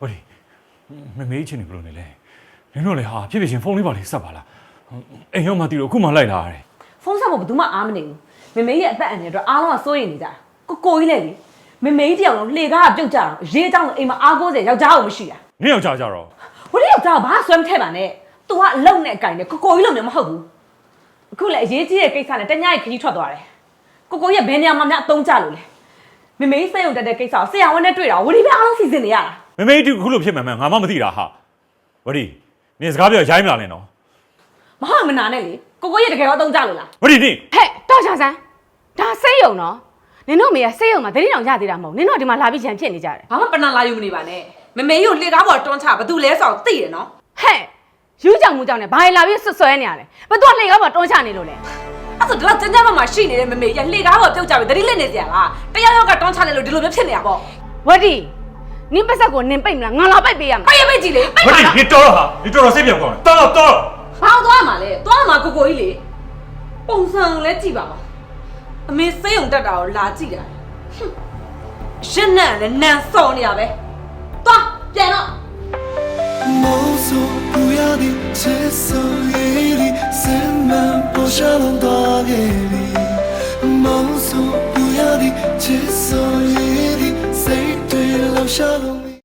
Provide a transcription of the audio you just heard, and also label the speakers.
Speaker 1: ဟုတ်တယ်မမေးချင်းနေဘလို့နေလဲနင်တို့လေဟာဖြစ်ဖြစ်ချင်းဖုန်းလေးပါလေးဆက်ပါလားအိမ်ရောက်မှတီးတော့အခုမှလိုက်လာရတယ်
Speaker 2: ဖုန်းဆက်ဖို့ဘယ်သူမှအားမနေဘူးမမေရဲ့အသက်အန္တရာယ်အတွက်အားလုံးကစိုးရိမ်နေကြတာကိုကြီးလေလေမမေကြီးတယောက်လုံးလှေကားကပြုတ်ကြတော့ရေးเจ้าအိမ်မှာအားကိုးစရာယောက်ျားအောင်မရှိတာ
Speaker 1: နင်ယောက်ျားကြတော့
Speaker 2: ဝရီယောက်ျားဘာဆွဲမထည့်ပါနဲ့ तू ကအလုံနဲ့အကင်နဲ့ကိုကြီးလုံးမျိုးမဟုတ်ဘူးအခုလည်းအရေးကြီးတဲ့ကိစ္စနဲ့တညရဲ့ခကြီးထွက်သွားတယ်ကိုရဲ့ဘယ်နေရာမှာများအသုံးကျလို့လဲမမေကြီးစိတ်ုံတက်တဲ့ကိစ္စကိုဆရာဝန်နဲ့တွေ့တာဝရီပဲအားလုံးစီစဉ်နေရတာ
Speaker 1: မမေကြီးအခုလိုဖြစ်မှန်မှန်ငါမှမသိတာဟာဝရီနင်စကားပြောရိုင်းမလာနဲ့နော်
Speaker 2: မဟုတ်မနာနဲ့လေကိုရဲ့တကယ်တော့အသုံးကျလို့လား
Speaker 1: ဝရီနင်
Speaker 3: ဟဲ့တော်ချာဆန်းဒါစိတ်ယုံနော်နင်တို့မေကစိတ်ယုံမှာတတိတောင်ရသေးတာမဟုတ်နင်တို့ဒီမှာလာပြီးချန်ဖြစ်နေကြတယ်
Speaker 2: ဘာမှပဏာလာယူမနေပါနဲ့မမေကြီးကိုလှေကားပေါ်တွန်းချဘာသူလဲဆိုတော့သိတယ်နော်
Speaker 3: ဟဲ့ယူကြောင်မှုကြောင့်နဲ့ဘာလာပြီးဆွဆွဲနေရလဲဘာသူကလှေကားပေါ်တွန်းချနေလို့လဲ
Speaker 2: အဲ့ဆိုဒီလောက်ကျန်းကျန်းမာရှိနေတဲ့မမေကြီးလှေကားပေါ်ပြုတ်ကြပြီတတိလက်နေစရာလားတယောက်ယောက်ကတွန်းချနေလို့ဒီလိုမျိုးဖြစ်နေတာပေါ့
Speaker 3: ဝတီနင်ပတ်ဆက်ကိုနင်ပိတ်မလားငါလာပိတ်ပေးရမှာ
Speaker 2: ပိတ်ကြည့်လေပိတ်
Speaker 1: ပါလားဝတီနင်တော်ဟာနင်တော်စိတ်ပြောင်းကောင်းတယ်တော်
Speaker 2: ဘာသွားမှာလဲသွားမှာကိုကြီးလေပုံစံလဲကြည့်ပါပါအမေစိတ်ုံတက်တာကိုလာကြည့်တာရှင်းနဲ့လည်းနန်စော်နေရပဲသွားပြန်တော့
Speaker 4: 梦诉不要的接受夜里深满不下浪大夜里梦诉不要的接受夜里谁对留下了你